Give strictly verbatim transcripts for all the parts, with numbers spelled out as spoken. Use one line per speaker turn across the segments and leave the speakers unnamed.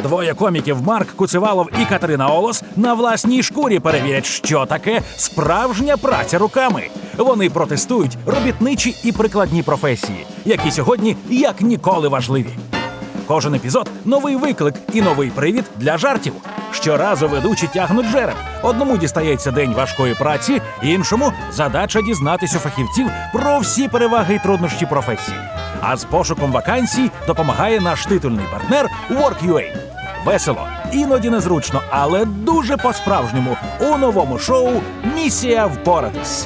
Двоє коміків Марк Куцевалов і Катерина Олос на власній шкурі перевірять, що таке справжня праця руками. Вони протестують робітничі і прикладні професії, які сьогодні як ніколи важливі. Кожен епізод – новий виклик і новий привід для жартів. Щоразу ведучі тягнуть жереб. Одному дістається день важкої праці, іншому – задача дізнатись у фахівців про всі переваги і труднощі професії. А з пошуком вакансій допомагає наш титульний партнер Work.ua. Весело, іноді незручно, але дуже по-справжньому у новому шоу «Місія впоратись».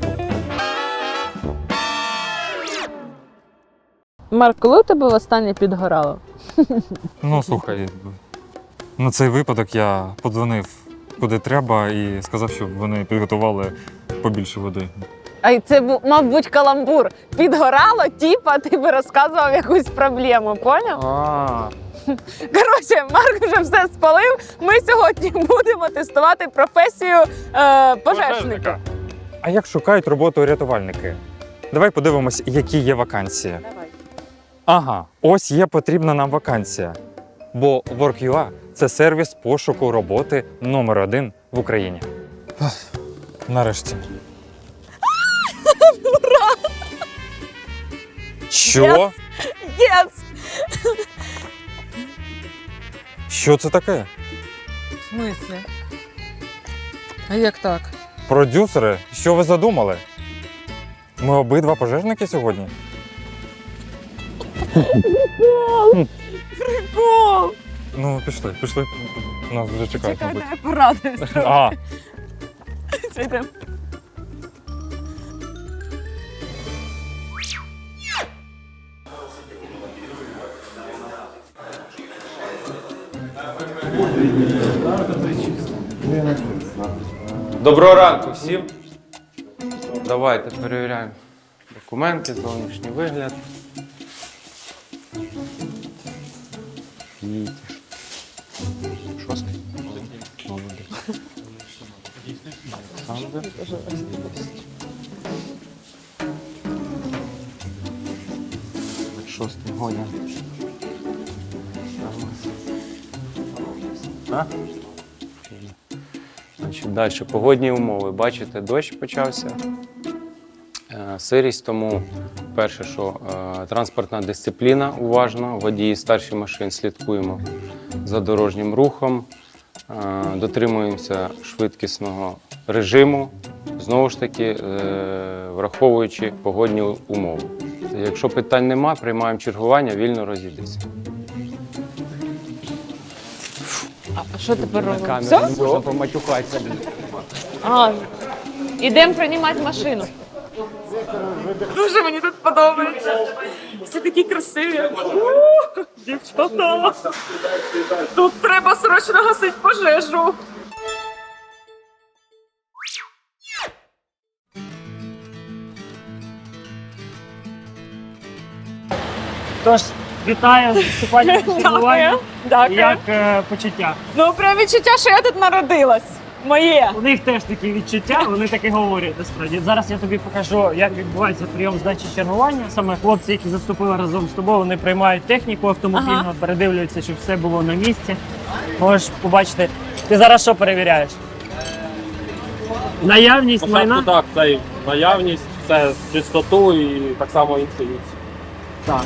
Марк, коли у тебе востаннє підгорало?
Ну, слухай, на цей випадок я подзвонив куди треба і сказав, щоб вони підготували побільше води.
А це, мав бути каламбур. Підгорало, типа, ти би розказував якусь проблему, поняв?
А.
Коротше, Марк вже все спалив. Ми сьогодні будемо тестувати професію е, пожежника.
А як шукають роботу рятувальники? Давай подивимось, які є вакансії.
Давай.
Ага, ось є потрібна нам вакансія. Бо Work.ua – це сервіс пошуку роботи номер один в Україні. Нарешті.
Ура!
Що?
Yes! Yes!
Що це таке?
В смислі? А як так?
Продюсери, що ви задумали? Ми обидва пожежники сьогодні?
Прикол!
Ну, пішли, пішли. Нас вже чекають,
Чекай,
мабуть.
я порадуюсь.
А,
Йдемо.
Доброго ранку всім. Давайте перевіряємо документи, зовнішній вигляд. Їдь. Шостий. Молодець. Олександр. Шостий гоня. А? Значить, далі погодні умови. Бачите, дощ почався, е, сирість, тому перше, що е, транспортна дисципліна уважно, водії старших машин слідкуємо за дорожнім рухом, е, дотримуємося швидкісного режиму, знову ж таки, е, враховуючи погодні умови. Якщо питань нема, приймаємо чергування, вільно розійдеться.
А що тепер робимо?
Камера,
Все?
не можна поматюкатися.
А, ідемо приймати машину. Дуже мені тут подобається. Всі такі красиві. У, дівчата. Тут треба срочно гасити пожежу.
Тож, вітаю з вступальним чергуванням.
Дякую.
Як е, почуття?
Ну, прям відчуття, що я тут народилась. Моє.
У них теж такі відчуття, вони таки говорять насправді. Зараз я тобі покажу, як відбувається прийом здачі чергування. Саме хлопці, які заступили разом з тобою, вони приймають техніку автомобільну,
Ага.
передивлюються, щоб все було на місці. Можеш побачити. Ти зараз що перевіряєш? Наявність майна?
Так, це і наявність, це чистоту і так само інтуїцію.
Так.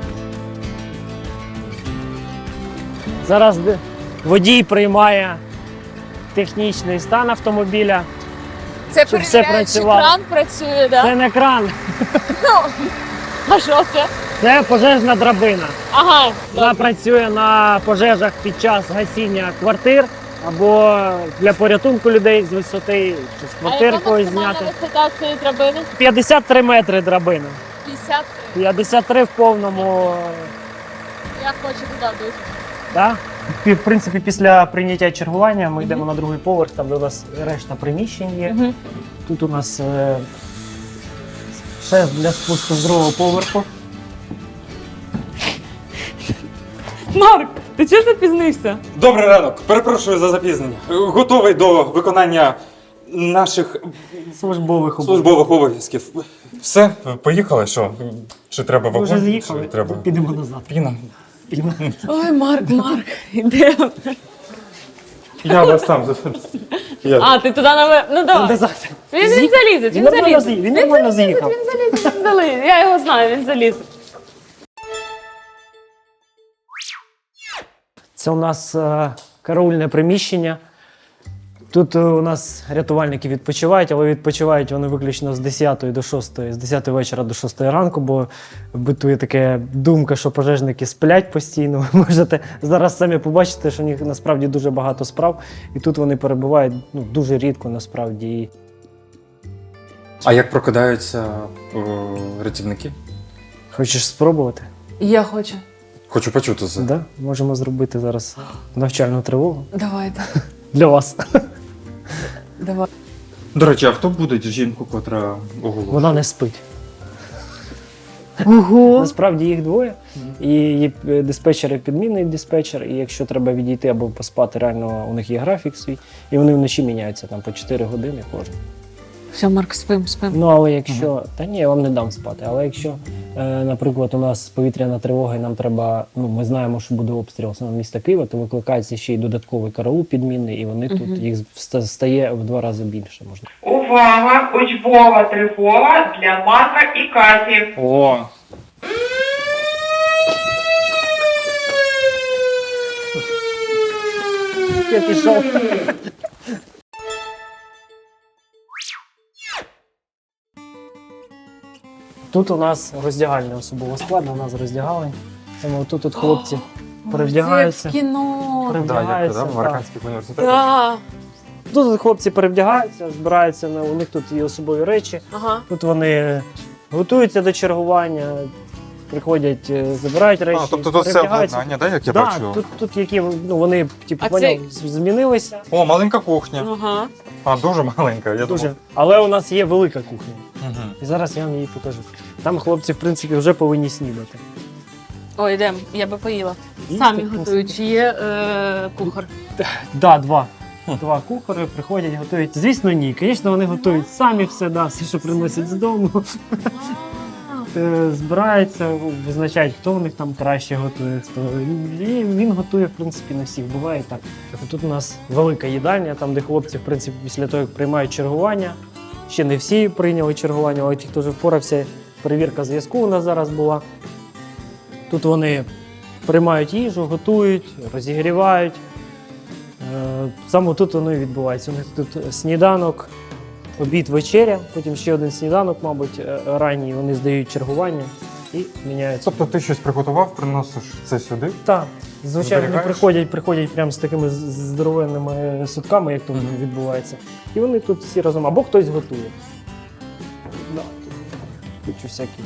Зараз де- водій приймає технічний стан автомобіля.
Це
Щоб все
перевіряють, чи
працювало.
кран працює, да?
Це не кран,
А що це?
це пожежна драбина.
Ага.
Вона працює на пожежах під час гасіння квартир або для порятунку людей з висоти чи з квартир когось зняти.
висота цієї драбини?
п'ятдесят три метри драбина.
п'ятдесят.
п'ятдесят три в повному.
Я хочу туди дуже.
Да? В принципі, після прийняття чергування ми йдемо на другий поверх, там де у нас решта приміщень є.
Мгм.
Тут у нас е, шест для спуску з другого поверху.
Марк, ти чого запізнився?
Добрий ранок, перепрошую за запізнення. Готовий до виконання наших
Службових обов'язків.
службових обов'язків. Все, поїхали, що? Чи треба
Ми
вагон?
вже з'їхали,
Чи треба
підемо назад.
піна?
дисципліна.
Ой, Марк, Марк, ідемо.
Я вас сам зараз.
А, ти туди наве... Ну давай.
Назад.
Він, він залізе,
Він
він
нормально
залізе.
з'їхав, він нормально з'їхав.
Він залізе, він залізе. Я його знаю, він залізе.
Це у нас е, караульне приміщення. Тут е, у нас рятувальники відпочивають, але відпочивають вони виключно з десятої до шостої, з десятої вечора до шостої ранку, бо битує така думка, що пожежники сплять постійно. Ви можете зараз самі побачити, що у них насправді дуже багато справ, і тут вони перебувають ну, дуже рідко насправді.
А як прокидаються о, рятівники?
Хочеш спробувати?
Я хочу.
Хочу почути це.
Да? Можемо зробити зараз навчальну тривогу
Давайте.
для вас.
Давай.
До речі, а хто буде жінку, котра оголошує?
Вона не спить.
Ого.
Насправді їх двоє. І є диспетчер і підмінний диспетчер, і якщо треба відійти або поспати, реально у них є графік свій, і вони вночі міняються там по чотири години кожен.
Все, Марк, спим, спим.
Ну але якщо. Та ні, я вам не дам спати. Але якщо, е, наприклад, у нас повітряна тривога, і нам треба, ну ми знаємо, що буде обстріл саме міста Києва, то викликається ще й додатковий караул підмінний, і вони тут їх ста- стає в два рази більше можна.
Увага! Учбова тривога для Марка і Каті.
О!
Я пішов. Тут у нас роздягальня особового складу, у нас роздягали. Тому тут от хлопці перевдягаються.
Це як в кіно.
перевдягаються.
в
так.
американських університетах.
Да.
Тут от хлопці перевдягаються, збираються, на- у них тут є особові речі.
Ага.
Тут вони готуються до чергування, приходять, е, забирають речі.
А, тобто тут все
перевдягаються.
обладнання, да, як я
Да,
бачу?
тут, тут які ну, вони типу,
А
поняв,
це-
з- змінилися.
О, маленька кухня.
Ага.
А, дуже маленька, я
Дуже.
думав.
Але у нас є велика кухня.
Угу.
І зараз я вам її покажу. Там хлопці, в принципі, вже повинні снідати.
О, йдемо, я би поїла.
Їсти
Самі
просто.
готують, чи є е, кухар?
Да, два. Два кухари приходять, готують. Звісно, ні. Звісно, вони готують самі все, да, все, що приносять з дому. Е, Збираються, визначають, хто в них там краще готує. Хто. І він готує, в принципі, на всіх. Буває і так. Тут у нас велика їдальня, там, де хлопці, в принципі, після того, як приймають чергування. Ще не всі прийняли чергування, але ті, хто вже впорався, перевірка зв'язку у нас зараз була. Тут вони приймають їжу, готують, розігрівають. Е, Саме тут воно і відбувається. У них тут сніданок, обід, вечеря, потім ще один сніданок, мабуть, е, ранній. Вони здають чергування і міняються.
Тобто ти щось приготував, приносиш це сюди?
Так, звичайно, вони
Зберігаєш?
приходять, приходять прямо з такими з- з- здоровенними сутками, як тут
Мгм.
відбувається. І вони тут всі разом, або хтось готує. Да, тут кучу всяких.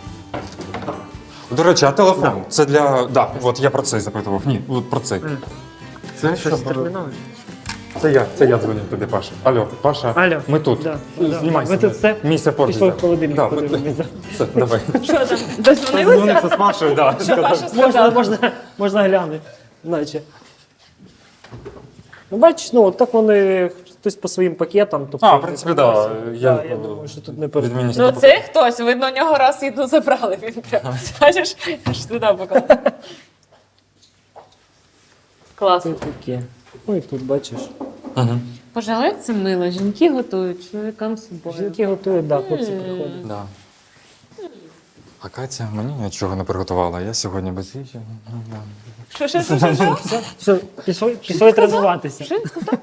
До речі, а телефон? Це для. Да, от я про це запитував. Ні, от про це.
Е.
Це щось термінове? Це я, це я дзвоню тобі, Паша. Алло, Паша,
Алло.
ми тут.
Да, да.
Знімайся.
Ви тут все?
Місце поруч.
Пішов
да.
в холодильник,
Да, ми-
подивимося.
Все, давай.
Що там? Дозвонилися?
Дзвонився з Машою, да.
Можна, можна, можна глянути, наче. Ну, бачиш, ну, от так вони хтось по своїм пакетам. Тобто,
А, в принципі, да. Я,
Да, я думаю, що тут не перед.
від
Ну
міністра.
це хтось, видно, у нього раз їду забрали. Він прямо, бачиш, аж туди поклав. Клас.
Це таке. Ну і тут бачиш.
Угу.
Пожалуй, це мило. Жінки готують чоловікам з собою.
Жінки готують, да, хлопці приходять.
Да. А Катя мені нічого не приготувала. Я сьогодні без їжі. Ну, да.
Що, що, що, що, що?
Все, все, пішли, пішли тренуватися.
Що він сказав?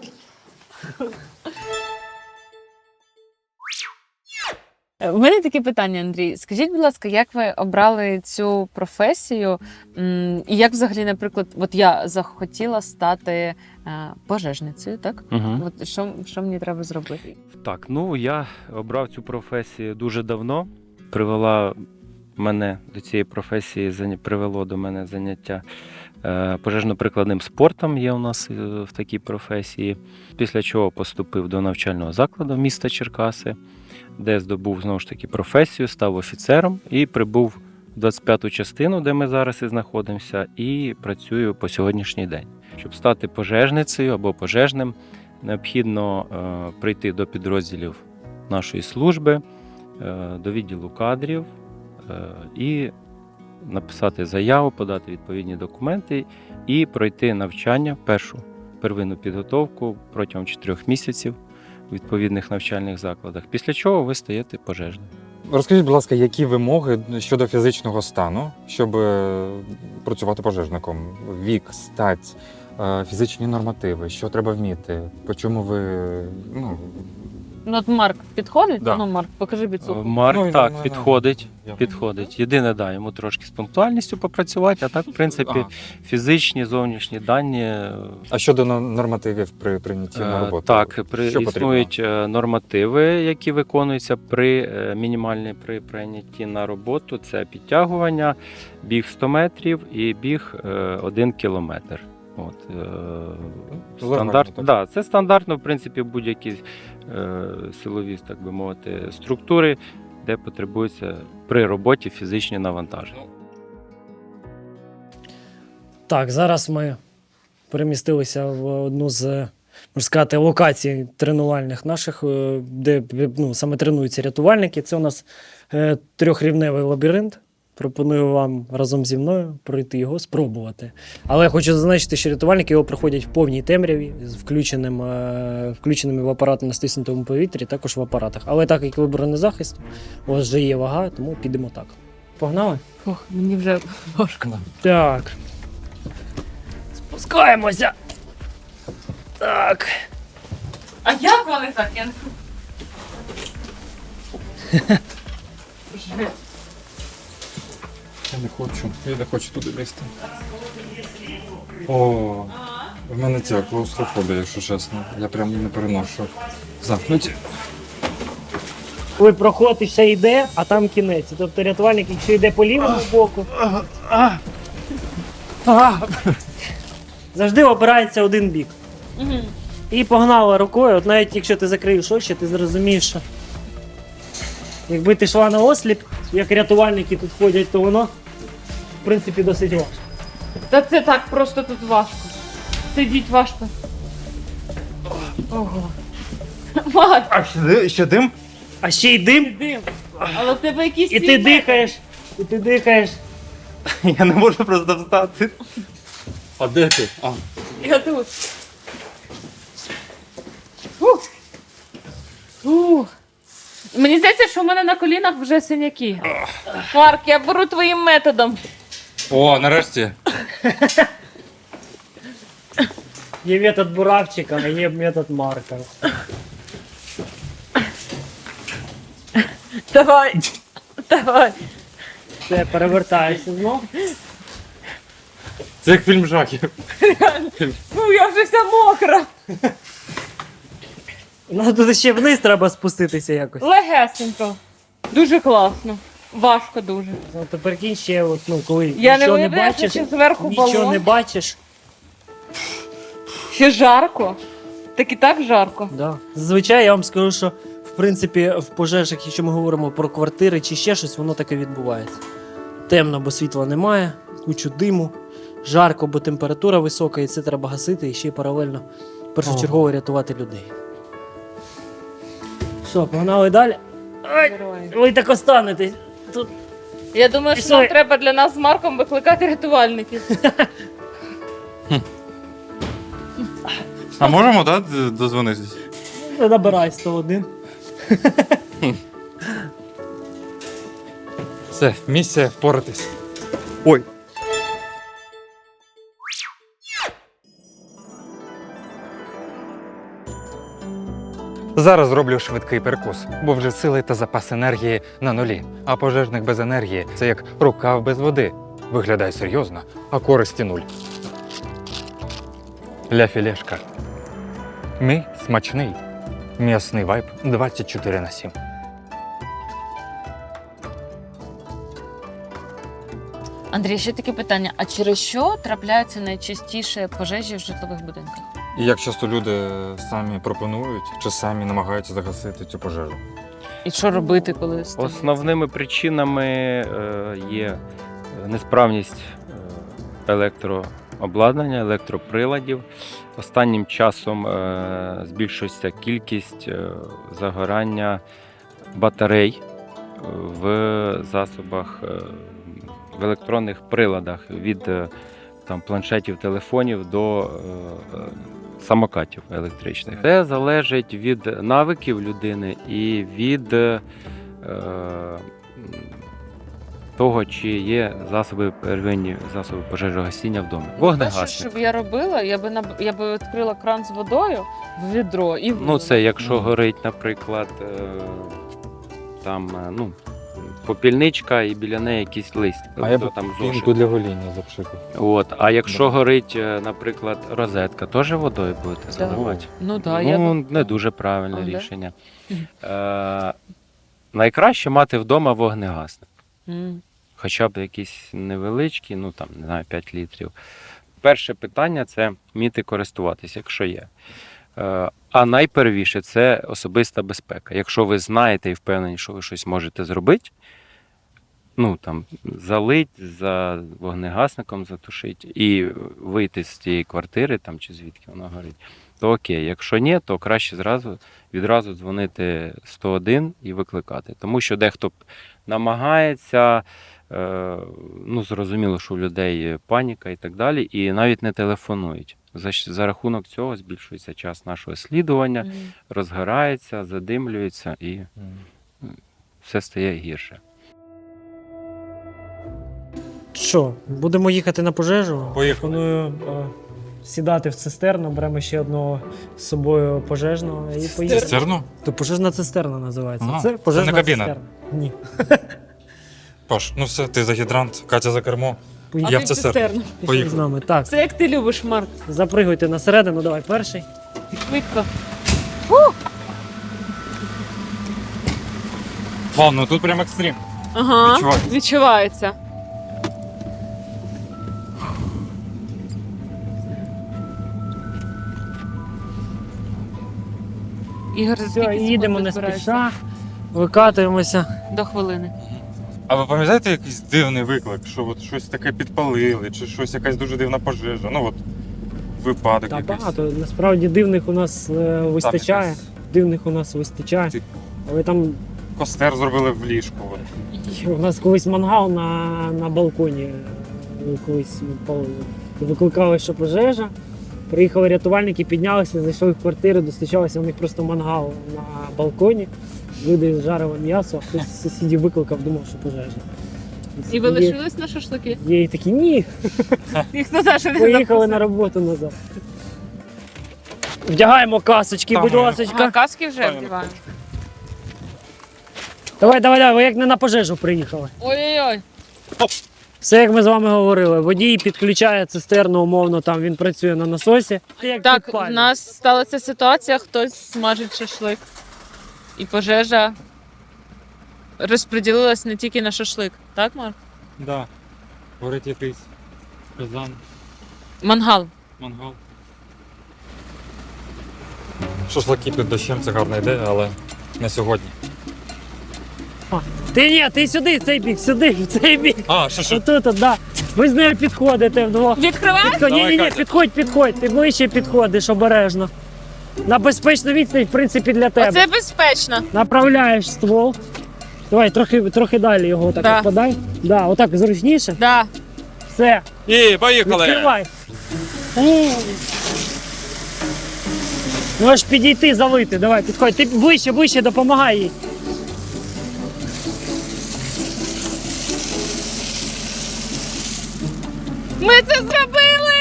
У мене таке питання, Андрій. Скажіть, будь ласка, як ви обрали цю професію? М, І як взагалі, наприклад, от я захотіла стати е, пожежницею, так?
Угу.
От що, що мені треба зробити?
Так, ну я обрав цю професію дуже давно. Привела мене до цієї професії, заня- привело до мене заняття е, пожежно-прикладним спортом. Є у нас е, в такій професії. Після чого поступив до навчального закладу міста Черкаси, де здобув знову ж таки професію, став офіцером і прибув в двадцять п'яту частину, де ми зараз і знаходимося, і працюю по сьогоднішній день. Щоб стати пожежницею або пожежним, необхідно е, прийти до підрозділів нашої служби, е, до відділу кадрів е, і написати заяву, подати відповідні документи і пройти навчання, першу первинну підготовку протягом чотирьох місяців у відповідних навчальних закладах, після чого ви стаєте пожежним.
Розкажіть, будь ласка, які вимоги щодо фізичного стану, щоб е, працювати пожежником? Вік, стать, е, фізичні нормативи, що треба вміти? По чому ви. Ну,
Ну, от Марк підходить?
Да.
Ну, Марк, покажи біцуху.
Марк
Ну, і
так,
ну, ну,
підходить.
я-
Підходить. Єдине, да, йому трошки з пунктуальністю попрацювати, а так, в принципі,
Ага.
фізичні, зовнішні дані. е,
А щодо но- нормативів при прийнятті на
Е,
роботу?
Так, при,
Що
існують е, нормативи, які виконуються при е, мінімальні при прийнятті на роботу. Це підтягування, біг сто метрів і біг е, один кілометр. От, е,
Легально,
стандарт,
так?
да, це стандартно, в принципі, будь-які е, силові, так би мовити, структури, де потребуються при роботі фізичні навантаження.
Так, зараз ми перемістилися в одну з, можна сказати, локацій тренувальних наших, е, де ну, саме тренуються рятувальники. Це у нас е, трьохрівневий лабіринт. Пропоную вам разом зі мною пройти його, спробувати. Але я хочу зазначити, що рятувальники його проходять в повній темряві з включеним, е, включеними в апарати на стиснутому повітрі, також в апаратах. Але так як ви бронезахист, у вас вже є вага, тому підемо так. Погнали?
Ох, мені вже важко.
Так. Спускаємося. Так.
А як вони так? Я...
Я не хочу. Я не хочу туди лізти. О, в мене ця клаустрофобія, якщо чесно. Я прям не переношу. Замкнуті.
Коли проход ще йде, а там кінець. Тобто рятувальник, якщо йде по лівому боку, завжди обирається один бік.
Мгм.
І погнала рукою, от навіть якщо ти закриєш очі, ти зрозумієш, що якби ти йшла на осліп, як рятувальники тут ходять, то воно, в принципі, досить важко.
Та це так просто тут важко. Сидіть важко. Ого. Марк,
А ще, ще дим?
А ще й дим,
дим. Але в тебе якісь
і ти
свій
дихаєш, і ти дихаєш.
Я не можу просто встати. А де ти? А.
метод. Я тут. Фух. Фух. Мені здається, що в мене на колінах вже синяки. Марк, я беру твоїм методом.
О, нарешті.
Є метод Буравчика, а є метод Марка.
Давай. Давай.
Все, перевертаєшся знов.
Це як фільм жахів.
Ну, я вже вся мокра.
Ну тут ще вниз треба спуститися якось.
Легесенько. Дуже класно. Важко дуже.
Ну, то прикинь ще, от, ну, коли
Я не
нічого не,
уявляю,
бачиш,
що зверху
нічого
балон.
не бачиш.
Ще жарко. Так і так жарко.
Да. Зазвичай я вам скажу, що в принципі в пожежах, якщо ми говоримо про квартири чи ще щось, воно таке відбувається. Темно, бо світла немає, кучу диму, жарко, бо температура висока, і це треба гасити і ще й паралельно першочергово рятувати людей. Що, погнали далі? Ай, ви так останетесь. Тут
Я думаю, що
Пішли.
нам треба для нас з Марком викликати рятувальників.
А можемо, так, дозвонитись?
набирай сто один.
Все, місія впоратись. Ой. Зараз зроблю швидкий перекус, бо вже сили та запас енергії на нулі. А пожежник без енергії це як рукав без води. Виглядає серйозно, а користі нуль. Ля філешка. Мій смачний. М'ясний вайб двадцять чотири на сім.
Андрій, ще таке питання: а через що трапляються найчастіше пожежі в житлових будинках?
І як часто люди самі пропонують чи самі намагаються загасити цю пожежу?
І що робити, коли стає?
Основними причинами е, є несправність е, електрообладнання, електроприладів. Останнім часом е, збільшується кількість е, загорання батарей в засобах е, в електронних приладах від е, там, планшетів, телефонів до е, е, самокатів електричних. Це залежить від навиків людини і від е, того, чи є засоби первинні засоби пожежогасіння вдома.
Перше,
Вогнегасник.
що б я робила, я би наб- я би відкрила кран з водою в відро і
Ну,
вилила.
це якщо горить, наприклад, е, там е, ну, попільничка і біля неї якийсь лист.
А я б
тобто там
пінку
зошит.
для гоління запшикав.
От. А якщо
Да.
горить, е, наприклад, розетка, теж водою будете заливати?
Ну так, я
Ну,
б...
не дуже правильне
А, да?
рішення. Е, найкраще мати вдома вогнегасник.
М.
Хоча б якісь невеличкі, ну там, не знаю, п'ять літрів. Перше питання це вміти користуватися, якщо є. Е, А найпервіше це особиста безпека. Якщо ви знаєте і впевнені, що ви щось можете зробити, ну там залить за вогнегасником, затушить і вийти з цієї квартири, там чи звідки воно горить, то окей. Якщо ні, то краще зразу відразу дзвонити сто один і викликати. Тому що дехто намагається, е, ну зрозуміло, що у людей паніка і так далі, і навіть не телефонують. За, щ- за рахунок цього збільшується час нашого слідування,
М.
розгорається, задимлюється і все стає гірше.
Що, будемо їхати на пожежу?
Поїхали.
Пропоную е, сідати в цистерну, беремо ще одного з собою пожежного і поїдемо.
Цистерну?
То пожежна цистерна називається.
Ага.
Це пожежна
Це не кабіна?
цистерна. Ні.
Паш, ну все, ти за гідрант, Катя за кермо.
А
Поїхали.
Я
ти
в цистерну.
цистерну.
Пішли
Поїхали.
з нами. Так,
Це як ти любиш, Марк.
запригуйте на середину, давай перший.
Швидко.
Вау, ну тут прям екстрім.
Ага,
Відчувається.
відчувається. Ігор, за
Все,
скільки
їдемо
секунд
не
збираєшся?
спіша, викатуємося.
До хвилини.
А ви пам'ятаєте якийсь дивний виклик, що от щось таке підпалили, чи щось якась дуже дивна пожежа? Ну от випадок
Та
якийсь.
багато. Насправді дивних у нас е, вистачає.
якась-
Дивних у нас вистачає.
Ти-
Але там
Костер зробили в ліжку. От.
у нас колись мангал на, на балконі е, колись палили. Викликали, що пожежа. Приїхали рятувальники, піднялися, зайшли в квартиру, достучалися, у них просто мангал на балконі. Люди жарили м'ясо, а хтось з сусідів викликав, думав, що пожежа.
І ви
Є-
лишились на шашлики?
Є і такі, ні,
Ніхто за що не
поїхали
запросив.
на роботу назад. Вдягаємо касочки,
Там
будь
ми-
ласка.
Ага, каски вже
Правильно.
вдіваємо.
Давай, давай, давай, ви як не на пожежу приїхали.
Ой-ой-ой.
Все, як ми з вами говорили, водій підключає цистерну, умовно, там він працює на насосі. Як
Так, в
підпалює.
нас сталася ситуація, хтось смажить шашлик. І пожежа розподілилась не тільки на шашлик. Так, Марк?
Да. Горить якийсь казан,
Мангал.
мангал. Шашлики під дощем це гарна ідея, але не сьогодні.
Ти ні, ти сюди, в цей бік, сюди, в цей бік.
А, що що?
Отут, от, да. Ви з нею підходите вдвох.
Відкривай!
Підходь, ні, ні, ні,
Катя.
підходь, підходь. Ти ближче підходиш обережно. На безпечну відстань, в принципі, для тебе.
Оце безпечно.
Направляєш ствол. Давай, трохи, трохи далі його так
Да.
подай. Да, отак зручніше.
Да.
Все,
І, поїхали!
відкривай. О. Можеш підійти, залити. Давай, підходь. Ти ближче, ближче, допомагай їй.
Ми це зробили!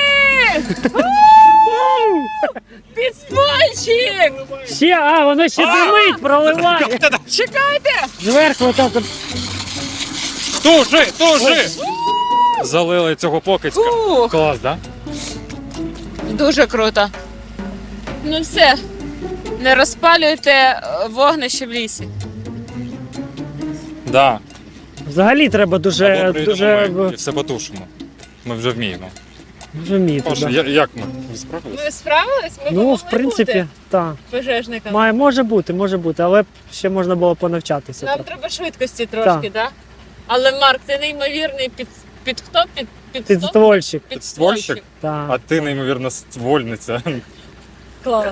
Підствольчик!
Ще, а, воно ще димить, проливає.
Чекайте!
Зверху отак от.
Тужи, тужи! Залили цього покидька.
Фух,
Клас, да?
дуже круто. Ну все, не розпалюйте е, вогнище в лісі.
Да.
Взагалі треба дуже,
Або прийдемо
дуже,
ми і все потушимо. Ми вже вміємо.
дуже вміти.
Паша,
Да.
я- як ми? Ви справились?
Ви справились? Ми
Ну, в принципі, так.
пожежниками.
Має, може бути, може бути, але ще можна було понавчатися.
Нам
трохи.
треба швидкості трошки, так? Але Марк, ти неймовірний під, під хто? Під, під,
Підствольчик.
Підствольчик.
Підствольчик?
Так.
А ти, неймовірно, ствольниця.
Клас.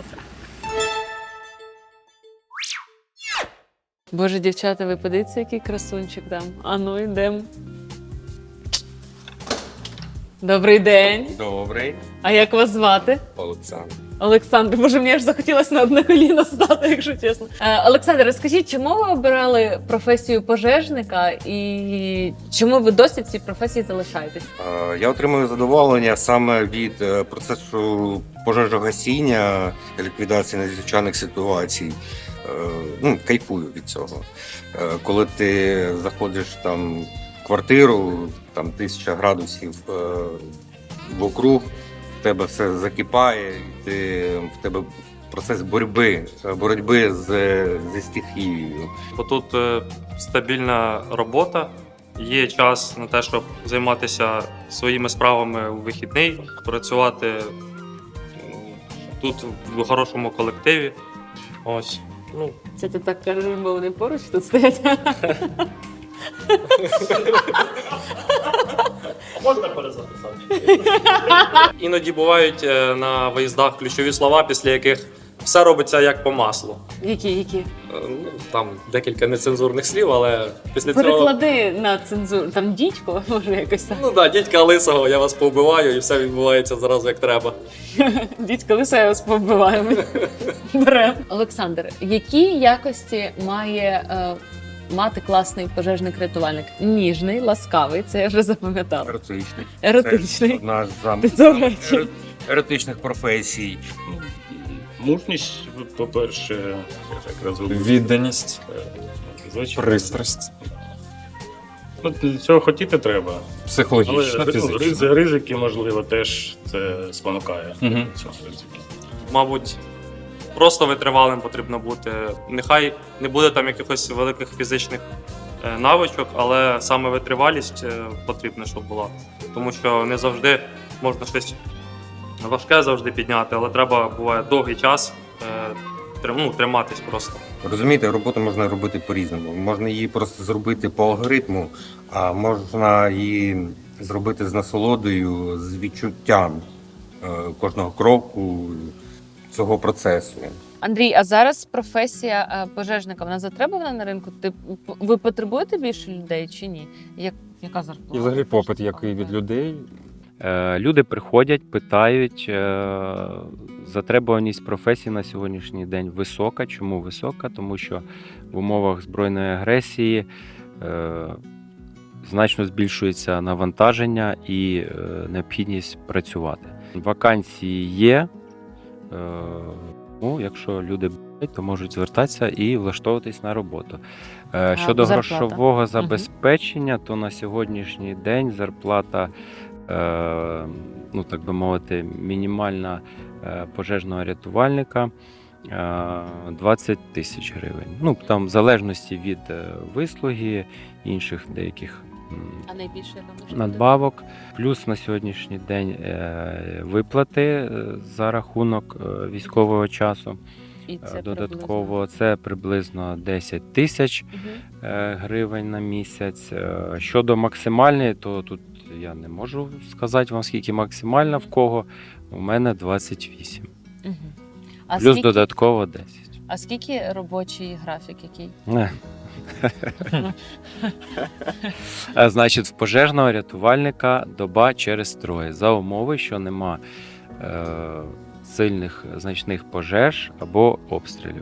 Боже, дівчата, ви подивіться, який красунчик там. А ну йдемо. Добрий день.
Добрий,
А як вас звати?
Олександр.
Олександр, боже, мені аж захотілося на одне коліно стати, якщо чесно. Е, Олександр, розкажіть, чому ви обирали професію пожежника і чому ви досі в цій професії залишаєтесь?
Е, Я отримую задоволення саме від е, процесу пожежогасіння, ліквідації надзвичайних ситуацій. Е, Ну, кайфую від цього. Е, Коли ти заходиш там в квартиру, там тисяча градусів е, вокруг, в тебе все закипає, і ти, в тебе процес боротьби, боротьби з, зі стихією.
Бо тут е, стабільна робота, є час на те, щоб займатися своїми справами у вихідний, працювати м, тут в хорошому колективі. Ось. Ну,
Це ти так кажеш, бо вони поруч тут стоять.
Можна перезаписати?
іноді бувають е, на виїздах ключові слова, після яких все робиться як по маслу.
Які, які?
Е, Ну, там декілька нецензурних слів, але після цього.
Переклади на цензуру. Там дідько, може якось так.
Ну так, дідька лисого, я вас повбиваю, і все відбувається зразу як треба.
Дідько лиса, я вас повбиваю. Берем. Олександр, які якості має е, мати класний пожежник-рятувальник? Ніжний, ласкавий, це я вже запам'ятала.
Еротичний.
Еротичний.
Це одна з сам-
Ти до речі.
ери- еротичних професій.
Мужність, по-перше, я так розумію.
Відданість,
Е, Звичайно.
пристрасть,
Ну, цього хотіти треба. Але
психологічна,
ри-
фізична.
ризи- ризики, можливо, теж це спонукає
Мгм.
до цього ризики.
Мабуть, просто витривалим потрібно бути. Нехай не буде там якихось великих фізичних е, навичок, але саме витривалість е, потрібна, щоб була. Тому що не завжди можна щось важке завжди підняти, але треба буває довгий час е, трим- ну, триматись просто.
Розумієте, роботу можна робити по-різному. Можна її просто зробити по алгоритму, а можна її зробити з насолодою, з відчуттям е, кожного кроку цього процесу.
Андрій, а зараз професія е, пожежника, вона затребувана на ринку? Ти, ви потребуєте більше людей чи ні? Як, яка зарплата?
І взагалі попит, який від людей.
Е, Люди приходять, питають. е, Затребуваність професії на сьогоднішній день висока. Чому висока? Тому що в умовах збройної агресії е, значно збільшується навантаження і е, необхідність працювати. Вакансії є. Е, Ну, якщо люди бажають, то можуть звертатися і влаштовуватись на роботу. Е, Щодо
зарплата?
грошового забезпечення, то на сьогоднішній день зарплата, е, ну так би мовити, мінімальна е, пожежного рятувальника е, двадцять тисяч гривень. Ну, там в залежності від е, вислуги, інших деяких м,
А найбільше яка може бути?
надбавок. Плюс на сьогоднішній день е, виплати е, за рахунок е, військового часу.
І це
Е, Додатково це приблизно десять тисяч
приблизно.
е, гривень на місяць. Е, Щодо максимальної, то тут я не можу сказати вам, скільки максимальна в кого. У мене двадцять вісім.
Мгм. Мгм. А
Плюс
скільки,
додатково десять.
а скільки робочий графік який?
Не. Е, Значить, в пожежного рятувальника доба через троє. За умови, що нема е, сильних значних пожеж або обстрілів.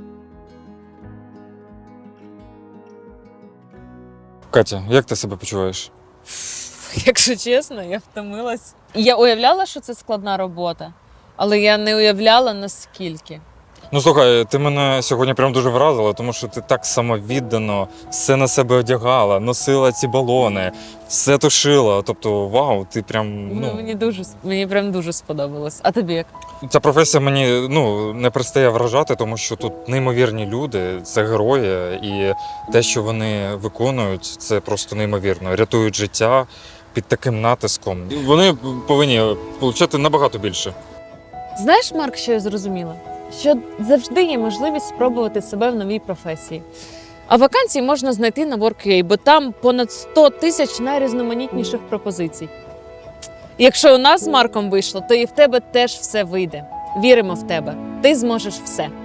Катя, як ти себе почуваєш?
Якщо чесно, я втомилась. Я уявляла, що це складна робота, але я не уявляла наскільки.
Ну слухай, ти мене сьогодні прям дуже вразила, тому що ти так самовіддано все на себе одягала, носила ці балони, все тушила. Тобто, вау, ти прям
Ну,
ну
мені дуже мені прям дуже сподобалось. А тобі як?
ця професія мені ну не перестає вражати, тому що тут неймовірні люди, це герої, і те, що вони виконують, це просто неймовірно. Рятують життя під таким натиском. Вони повинні отримати набагато більше.
Знаєш, Марк, що я зрозуміла? Що завжди є можливість спробувати себе в новій професії. А вакансії можна знайти на WorkUA, бо там понад сто тисяч найрізноманітніших пропозицій. Якщо у нас з Марком вийшло, то і в тебе теж все вийде. Віримо в тебе. Ти зможеш все.